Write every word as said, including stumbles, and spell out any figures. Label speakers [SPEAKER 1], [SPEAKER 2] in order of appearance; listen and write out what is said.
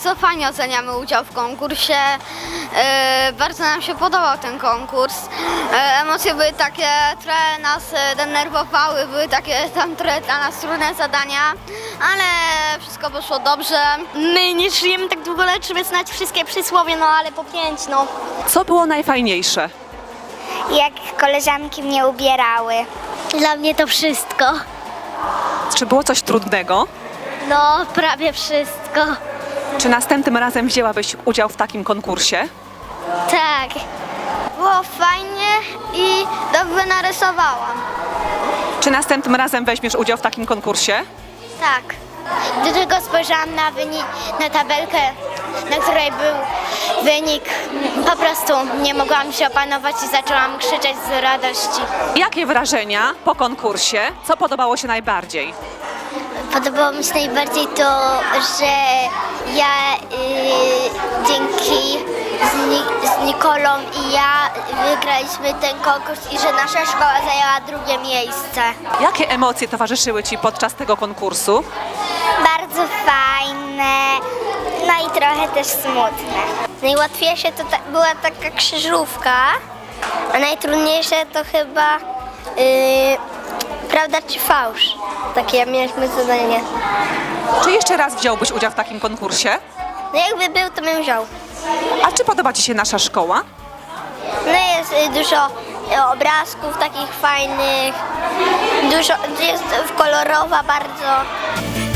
[SPEAKER 1] bardzo fajnie oceniamy udział w konkursie. E, bardzo nam się podobał ten konkurs. E, emocje były takie, trochę nas e, denerwowały, były takie tam trochę dla nas trudne zadania, ale wszystko poszło dobrze.
[SPEAKER 2] My nie żyjemy tak długo, żeby znać wszystkie przysłowie, no ale po pięć, no.
[SPEAKER 3] Co było najfajniejsze?
[SPEAKER 4] Jak koleżanki mnie ubierały.
[SPEAKER 2] Dla mnie to wszystko.
[SPEAKER 3] Czy było coś trudnego?
[SPEAKER 2] No, prawie wszystko.
[SPEAKER 3] Czy następnym razem wzięłabyś udział w takim konkursie?
[SPEAKER 2] Tak.
[SPEAKER 1] Było fajnie i dobrze narysowałam.
[SPEAKER 3] Czy następnym razem weźmiesz udział w takim konkursie?
[SPEAKER 4] Tak. Do tego spojrzałam na wynik, na tabelkę, na której był wynik. Po prostu nie mogłam się opanować i zaczęłam krzyczeć z radości.
[SPEAKER 3] Jakie wrażenia po konkursie? Co podobało się najbardziej?
[SPEAKER 4] Podobało mi się najbardziej to, że ja y, dzięki z, Ni- z Nikolą i ja wygraliśmy ten konkurs i że nasza szkoła zajęła drugie miejsce.
[SPEAKER 3] Jakie emocje towarzyszyły Ci podczas tego konkursu?
[SPEAKER 4] Bardzo fajne, no i trochę też smutne. Najłatwiejsze to ta, była taka krzyżówka, a najtrudniejsze to chyba yy, prawda czy fałsz. Takie mieliśmy zadanie.
[SPEAKER 3] Czy jeszcze raz wziąłbyś udział w takim konkursie?
[SPEAKER 4] No jakby był, to bym wziął.
[SPEAKER 3] A czy podoba Ci się nasza szkoła?
[SPEAKER 4] No jest y, dużo y, obrazków takich fajnych, dużo, jest kolorowa bardzo.